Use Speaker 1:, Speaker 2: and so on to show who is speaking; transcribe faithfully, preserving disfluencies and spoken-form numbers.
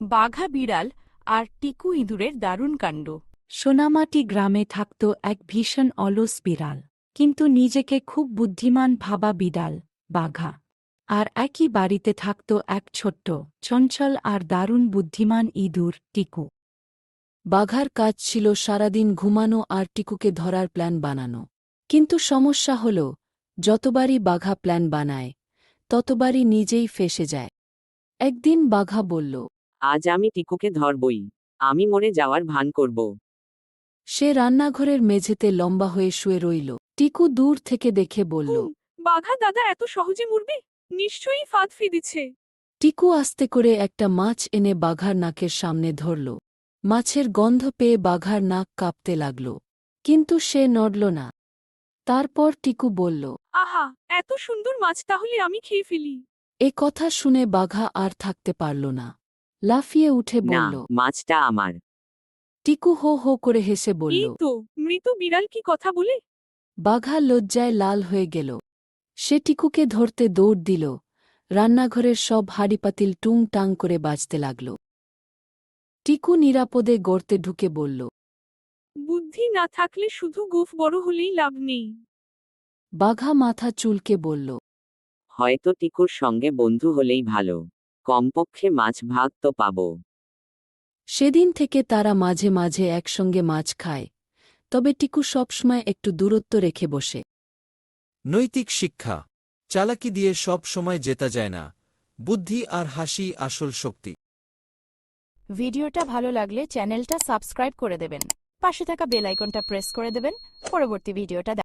Speaker 1: বাঘা বিড়াল আর টিকু ইঁদুরের দারুণ কাণ্ড।
Speaker 2: সোনামাটি গ্রামে থাকত এক ভীষণ অলস বিড়াল, কিন্তু নিজেকে খুব বুদ্ধিমান ভাবা বিড়াল, বাঘা। আর একই বাড়িতে থাকত এক ছোট্ট, চঞ্চল আর দারুণ বুদ্ধিমান ইঁদুর, টিকু।
Speaker 3: বাঘার কাজ ছিল সারাদিন ঘুমানো আর টিকুকে ধরার প্ল্যান বানানো। কিন্তু সমস্যা হল, যতবারই বাঘা প্ল্যান বানায় ততবারই নিজেই ফেঁসে যায়। একদিন বাঘা বলল,
Speaker 4: আজ আমি টিকুকে ধরবই, আমি মরে যাওয়ার ভান করব।
Speaker 3: সে রান্নাঘরের মেঝেতে লম্বা হয়ে শুয়ে রইল। টিকু দূর থেকে দেখে বলল,
Speaker 1: বাঘা দাদা এত সহজে মরবে? নিশ্চয়ই ফাঁদ ফেঁদেছে।
Speaker 3: টিকু আস্তে করে একটা মাছ এনে বাঘার নাকের সামনে ধরল। মাছের গন্ধ পেয়ে বাঘার নাক কাঁপতে লাগল, কিন্তু সে নড়ল না। তারপর টিকু বলল,
Speaker 1: আহা, এত সুন্দর মাছ, তাহলে আমি খেয়ে ফেলি।
Speaker 3: এ কথা শুনে বাঘা আর থাকতে পারল না, লাফিয়ে উঠে
Speaker 4: না,
Speaker 3: বলল।
Speaker 4: মাছটা আমার।
Speaker 3: টিকু হো হো করে হেসে বলল।
Speaker 1: এই তো, মৃত বিড়াল কি কথা বলে?
Speaker 3: বাঘা লজ্জায় লাল হয়ে গেল। সে টিকুকে ধরতে দৌড় দিল। রান্নাঘরের সব হাঁড়িপাতিল টুং টাং করে বাজতে লাগল। টিকু নিরাপদে গর্তে ঢুকে বলল,
Speaker 1: বুদ্ধি না থাকলে শুধু গোফ বড় হলেই লাভ নেই।
Speaker 3: বাঘা মাথা চুলকে বলল,
Speaker 4: হয়তো টিকুর সঙ্গে বন্ধু হলেই ভালো, কমপক্ষে মাছ ভাগ তো পাব।
Speaker 3: সেদিন থেকে তারা মাঝে মাঝে একসঙ্গে মাছ খায়, তবে টিকু সবসময় একটু দূরত্ব রেখে বসে।
Speaker 5: নৈতিক শিক্ষা: চালাকি দিয়ে সব সময় জেতা যায় না, বুদ্ধি আর হাসি আসল শক্তি।
Speaker 1: ভিডিওটা ভালো লাগলে চ্যানেলটা সাবস্ক্রাইব করে দেবেন, পাশে থাকা বেল আইকনটা প্রেস করে দেবেন পরবর্তী ভিডিওটা